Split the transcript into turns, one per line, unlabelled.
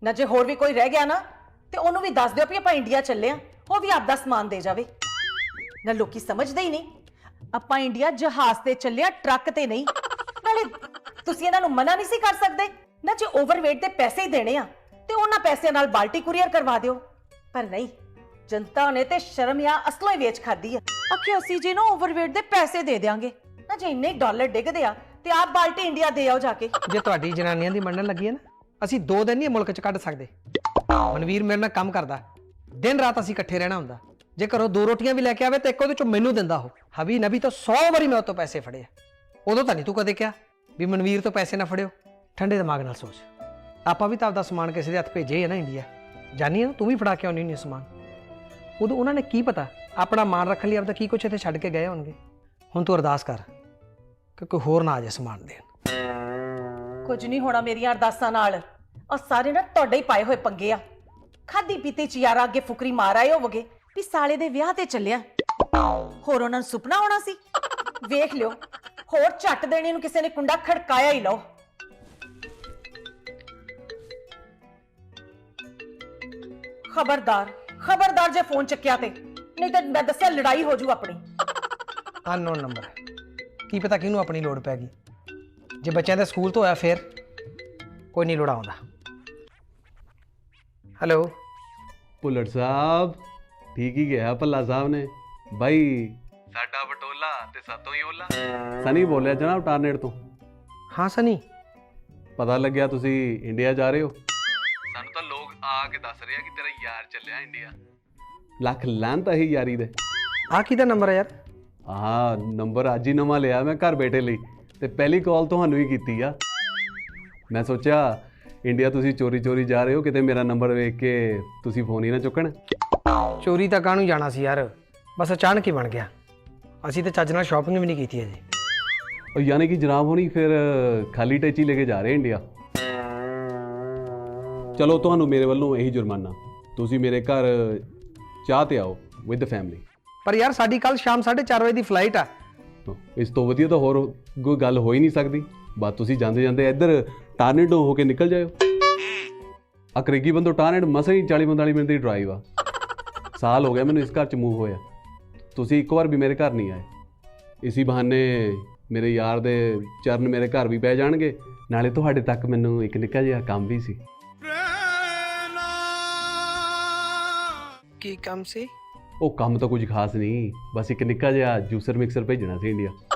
ਨਾ ਜੇ ਹੋਰ ਵੀ ਕੋਈ ਰਹਿ ਗਿਆ ਨਾ ਤੇ ਉਹਨੂੰ ਵੀ ਦੱਸ ਦਿਓ ਵੀ ਆਪਾਂ ਇੰਡੀਆ ਚੱਲੇ ਆ, ਉਹ ਵੀ ਆਪਦਾ ਸਮਾਨ ਦੇ ਜਾਵੇ। ਨਾ ਲੋਕੀ ਸਮਝਦੇ ਹੀ ਨਹੀਂ, ਆਪਾਂ ਇੰਡੀਆ ਜਹਾਜ਼ ਤੇ ਚੱਲੇ ਆ, ਟਰੱਕ ਤੇ ਨਹੀਂ। ਨਾਲੇ ਤੁਸੀਂ ਇਹਨਾਂ ਨੂੰ ਮਨਾ ਨਹੀਂ ਸੀ ਕਰ ਸਕਦੇ ਨਾ, ਜੇ ਓਵਰਵੇਟ ਦੇ ਪੈਸੇ ਹੀ ਦੇਣੇ ਆ ਤੇ ਉਹਨਾਂ ਪੈਸਿਆਂ ਨਾਲ ਬਾਲਟੀ ਕੁਰੀਅਰ ਕਰਵਾ ਦਿਓ। ਪਰ ਨਹੀਂ, ਜਨਤਾ ਨੇ ਤੇ ਸ਼ਰਮ ਜਾਂ ਅਸਲੋਂ ਹੀ ਵੇਚ ਖਾਦੀ ਆ। ਆਖੇ ਅਸੀਂ ਜੀ ਨਾ ਓਵਰਵੇਟ ਦੇ ਪੈਸੇ ਦੇ ਦਿਆਂਗੇ ਨਾ, ਜੇ ਇੰਨੇ ਡਾਲਰ ਡਿੱਗਦੇ ਆ ਤੇ ਆਪ ਬਾਲਟੀ ਇੰਡੀਆ ਦੇ ਆਓ ਜਾ ਕੇ।
ਜੇ ਤੁਹਾਡੀ ਜਨਾਨੀਆਂ ਦੀ ਮੰਨਣ ਲੱਗੀ ਹੈ ਨਾ, ਅਸੀਂ 2 ਦਿਨ ਨਹੀਂ ਮੁਲਕ 'ਚ ਕੱਢ ਸਕਦੇ। ਮਨਵੀਰ ਮੇਰੇ ਨਾਲ ਕੰਮ ਕਰਦਾ, ਦਿਨ ਰਾਤ ਅਸੀਂ ਇਕੱਠੇ ਰਹਿਣਾ ਹੁੰਦਾ। ਜੇ ਘਰੋਂ 2 ਰੋਟੀਆਂ ਵੀ ਲੈ ਕੇ ਆਵੇ ਤੇ ਇੱਕ ਉਹਦੇ ਚੋਂ ਮੈਨੂੰ ਦਿੰਦਾ ਉਹ। ਹਬੀ ਨਬੀ ਤਾਂ 100 ਵਾਰੀ ਮੈਂ ਉਹ ਤੋਂ ਪੈਸੇ ਫੜੇ ਆ। ਉਦੋਂ ਤਾਂ ਨਹੀਂ ਤੂੰ ਕਦੇ ਕਿਹਾ ਵੀ ਮਨਵੀਰ ਤੋਂ ਪੈਸੇ ਨਾ ਫੜਿਓ। ਠੰਡੇ ਦਿਮਾਗ ਨਾਲ ਸੋਚ, ਆਪਾਂ ਵੀ ਤਾਂ ਆਪਦਾ ਸਮਾਨ ਕਿਸੇ ਦੇ ਹੱਥ ਭੇਜੇ ਹੈ ਨਾ ਇੰਡੀਆ। ਜਾਨੀ ਹੈ ਨਾ, ਤੂੰ ਵੀ ਫੜਾ ਕੇ ਆਉਣੀ ਹੁੰਦੀ ਸਮਾਨ। ਉਦੋਂ ਉਹਨਾਂ ਨੇ ਕੀ ਪਤਾ ਆਪਣਾ ਮਾਨ ਰੱਖਣ ਲਈ ਆਪਦਾ ਕੀ ਕੁਛ ਇੱਥੇ ਛੱਡ ਕੇ ਗਏ ਹੋਣਗੇ। ਹੁਣ ਤੂੰ ਅਰਦਾਸ ਕਰ ਕਿ ਕੋਈ ਹੋਰ ਨਾ ਆ ਜਾਏ ਸਮਾਨ ਦੇਣ।
ਕੁਝ ਨਹੀਂ ਹੋਣਾ ਮੇਰੀਆਂ ਅਰਦਾਸਾਂ ਨਾਲ। ਔਰ ਸਾਰੇ ਨਾ ਤੁਹਾਡੇ ਹੀ ਪਾਏ ਹੋਏ ਪੰਗੇ ਆ। ਖਾਦੀ ਪੀਤੀ ਚ ਯਾਰਾ ਅੱਗੇ ਫੁਕਰੀ ਮਾਰ ਆਏ ਹੋਵੋਗੇ ਵੀ ਸਾਲੇ ਦੇ ਵਿਆਹ ਤੇ ਚੱਲਿਆ। ਹੋਰ ਉਹਨਾਂ ਨੂੰ ਸੁਪਨਾ ਆਉਣਾ ਸੀ। ਵੇਖ ਲਿਓ, ਹੋਰ ਝੱਟ ਦੇਣੇ ਨੂੰ ਕਿਸੇ ਨੇ ਕੁੰਡਾ ਖੜਕਾਇਆ ਹੀ ਲਓ। ਖਬਰਦਾਰ ਖਬਰਦਾਰ ਜੇ ਫੋਨ ਚੱਕਿਆ ਤੇ, ਨਹੀਂ ਤਾਂ ਮੈਂ ਦੱਸਿਆ ਲੜਾਈ ਹੋ ਜੂ ਆਪਣੀ।
ਅਨਨੋਨ ਨੰਬਰ, ਕੀ ਪਤਾ ਕਿਹਨੂੰ ਆਪਣੀ ਲੋੜ ਪੈ ਗਈ। ਜੇ ਬੱਚਿਆਂ ਦੇ ਸਕੂਲ ਤੋਂ ਹੋਇਆ ਫੇਰ ਕੋਈ ਨਹੀਂ ਲੋੜ ਆਉਂਦਾ। ਹੈਲੋ
ਭੁੱਲਰ ਸਾਹਿਬ, ਠੀਕ ਹੀ ਗਿਆ ਭੱਲਾ ਸਾਹਿਬ ਨੇ। ਬਾਈ ਸਾਡਾ ਬਟੋਲਾ ਤੇ ਸਾਤੋਂ ਹੀ ਓਲਾ। ਸਨੀ ਬੋਲਿਆ ਜਨਾਬ ਟਾਰਨੇਟ ਤੋਂ।
ਹਾਂ ਸਨੀ,
ਪਤਾ ਲੱਗਿਆ ਤੁਸੀਂ ਇੰਡੀਆ ਜਾ ਰਹੇ ਹੋ। ਸਾਨੂੰ ਤਾਂ ਲੋਕ ਆ ਕੇ ਦੱਸ ਰਹੇ ਆ ਕਿ ਤੇਰਾ ਯਾਰ ਚੱਲਿਆ ਇੰਡੀਆ। ਲੱਖ ਲਾਂਤ ਹੀ ਯਾਰੀ ਦੇ।
ਆਹ ਕਿਹਦਾ ਨੰਬਰ ਹੈ ਯਾਰ?
ਹਾਂ, ਨੰਬਰ ਅੱਜ ਹੀ ਨਵਾਂ ਲਿਆ ਮੈਂ ਘਰ ਬੈਠੇ ਲਈ, ਤੇ ਪਹਿਲੀ ਕਾਲ ਤੁਹਾਨੂੰ ਹੀ ਕੀਤੀ ਆ। ਮੈਂ ਸੋਚਿਆ ਇੰਡੀਆ ਤੁਸੀਂ ਚੋਰੀ ਚੋਰੀ ਜਾ ਰਹੇ ਹੋ, ਕਿਤੇ ਮੇਰਾ ਨੰਬਰ ਵੇਖ ਕੇ ਤੁਸੀਂ ਫੋਨ ਹੀ ਨਾ ਚੁੱਕਣ।
ਚੋਰੀ ਤਾਂ ਕਾਹਨੂੰ ਜਾਣਾ ਸੀ ਯਾਰ, ਬਸ ਅਚਾਨਕ ਹੀ ਬਣ ਗਿਆ। ਅਸੀਂ ਤਾਂ ਚੱਜ ਨਾਲ ਸ਼ਾਪਿੰਗ ਵੀ ਨਹੀਂ ਕੀਤੀ ਅਜੇ।
ਉਹ ਯਾਨੀ ਕਿ ਜਨਾਬ ਹੋਣੀ ਫਿਰ ਖਾਲੀ ਟੈਚੀ ਲੈ ਕੇ ਜਾ ਰਹੇ ਇੰਡੀਆ। ਚਲੋ ਤੁਹਾਨੂੰ ਮੇਰੇ ਵੱਲੋਂ ਇਹੀ ਜੁਰਮਾਨਾ, ਤੁਸੀਂ ਮੇਰੇ ਘਰ ਚਾਹ ਤੇ ਆਓ ਵਿਦ ਫੈਮਿਲੀ।
ਪਰ ਯਾਰ ਸਾਡੀ ਕੱਲ ਸ਼ਾਮ 4:30 ਵਜੇ ਦੀ ਫਲਾਈਟ ਆ।
ਇਸ ਤੋਂ ਵਧੀਆ ਤਾਂ ਹੋਰ ਕੋਈ ਗੱਲ ਹੋ ਹੀ ਨਹੀਂ ਸਕਦੀ। ਬਸ ਤੁਸੀਂ ਜਾਂਦੇ ਜਾਂਦੇ ਇੱਧਰ ਟਾਰਨੇਡੋ ਹੋ ਕੇ ਨਿਕਲ ਜਾਇਓ। ਅਕਰੇਗੀ ਬੰਦੋ ਟਾਰਨੇਡ ਮਸਾਂ ਹੀ 40-45 ਮਿੰਟ ਦੀ ਡਰਾਈਵ ਆ। ਸਾਲ ਹੋ ਗਿਆ ਮੈਨੂੰ ਇਸ ਘਰ 'ਚ ਮੂਵ ਹੋਇਆ, ਤੁਸੀਂ ਇੱਕ ਵਾਰ ਵੀ ਮੇਰੇ ਘਰ ਨਹੀਂ ਆਏ। ਇਸੀ ਬਹਾਨੇ ਮੇਰੇ ਯਾਰ ਦੇ ਚਰਨ ਮੇਰੇ ਘਰ ਵੀ ਪੈ ਜਾਣਗੇ, ਨਾਲੇ ਤੁਹਾਡੇ ਤੱਕ ਮੈਨੂੰ ਇੱਕ ਨਿੱਕਾ ਜਿਹਾ ਕੰਮ ਵੀ ਸੀ।
ਕੀ ਕੰਮ ਸੀ?
ਉਹ ਕੰਮ ਤਾਂ ਕੁਝ ਖਾਸ ਨਹੀਂ, ਬਸ ਇੱਕ ਨਿੱਕਾ ਜਿਹਾ ਜੂਸਰ ਮਿਕਸਰ ਭੇਜਣਾ ਸੀ ਇੰਡੀਆ।